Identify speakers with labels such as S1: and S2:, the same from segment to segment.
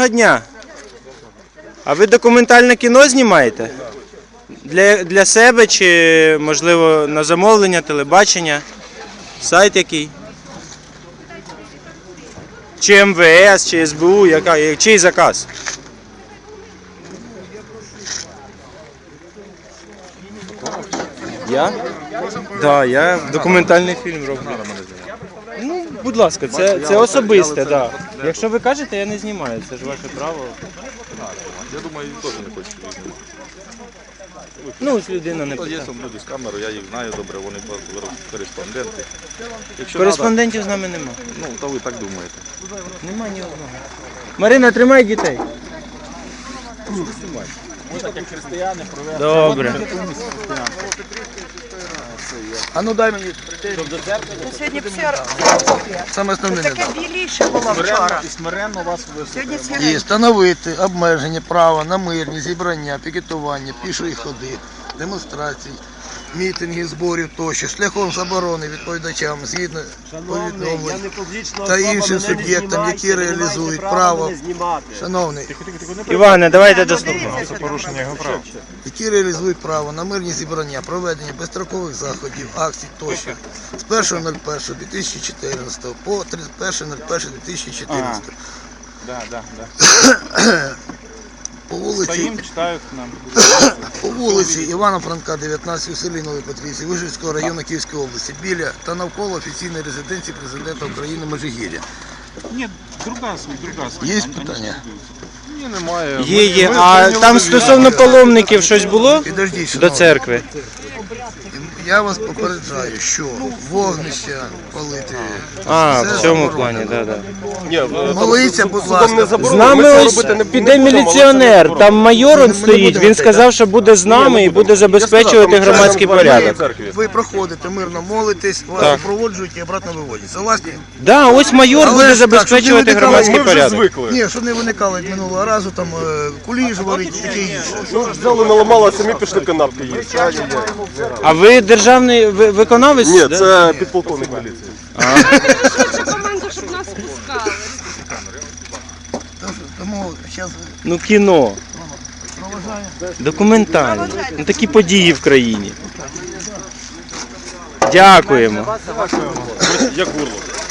S1: Доброго дня. А ви документальне кіно знімаєте? Для себе чи, можливо, на замовлення, телебачення? Сайт який? Чи МВС, чи СБУ, чий заказ? Я? Так, я документальний фільм роблю. Ну, будь ласка, це особисте, так. Якщо ви кажете, я не знімаю, це ж ваше право.
S2: Я думаю, він теж не хоче знімати.
S1: Ну, ось людина не
S2: Є
S1: питає.
S2: там люди з камерою, я їх знаю добре, вони кореспонденти. Якщо
S1: Кореспондентів з нами нема.
S2: ну, то ви так думаєте.
S1: Нема ні одного. Марина, тримай дітей.
S3: Ми так як християни провели.
S1: Добре.
S4: А ну дай мені.
S5: Сьогодні все
S4: Саме основне не
S5: таке біліше було вчора.
S3: І смиренно вас
S5: Сьогодні
S3: вислухаємо.
S5: всі
S4: І встановити обмеження права на мирні зібрання, пікетування, пішої ходи, демонстрації, мітингів, зборів тощо, шляхом заборони відповідачам згідно повідомлень та іншим суб'єктам, які реалізують право, шановний,
S1: Іване, давайте дослухаємо.
S4: які реалізують право на мирні зібрання, проведення безстрокових заходів, акцій тощо з 1.01.2014 по 31.01.2014. По вулиці Івана Франка, 19 у селі Новій Петрівці, Вижівського району Київської області, біля та навколо офіційної резиденції президента України Межигір'я.
S3: Ні, друга.
S4: Є питання?
S2: Ні, немає.
S1: Є. А там стосовно паломників щось було?
S4: Підождіть,
S1: До
S4: шановні.
S1: церкви?
S4: Я вас попереджаю, що вогнища палити.
S1: А,
S4: це
S1: в цьому
S4: заборонено.
S1: плані, так.
S4: Моліться, будь ласка.
S1: З нами ось піде міліціонер, там майор он стоїть, він сказав, що буде з нами і буде забезпечувати громадський порядок.
S4: Ви проходите, мирно молитесь, вас
S1: Так.
S4: проводжують і обратно виводять. Согласні?
S1: Да, ось майор
S4: Але
S1: буде
S4: ж так,
S1: забезпечувати
S4: щоб не
S1: громадський
S4: виникало,
S1: порядок.
S4: Ні, щоб не виникало як минулого разу, там куліжували і таке інше.
S6: Взяли, наламали, а самі пішли канапки їсти.
S1: А ви державний виконавець?
S6: Ні,
S1: да?
S6: це підполковник міліції.
S7: Команду, щоб нас пускали.
S4: Тому зараз
S1: Ну кіно. Документальне. Ну, такі події в країні. Дякуємо.
S6: Як горло.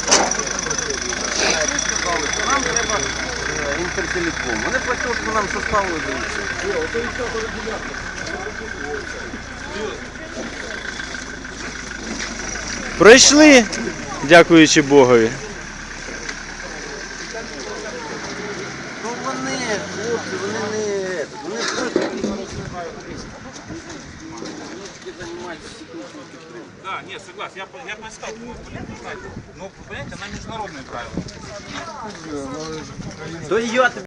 S3: Інтертелеком. Вони працюють, що нам составили.
S1: Пройшли, дякуючи Богові.
S3: Ну вони, хлопці, вони Да, нет, согласен. Я прочитал, понятно, знаете. Но, понимаете, она международные правила.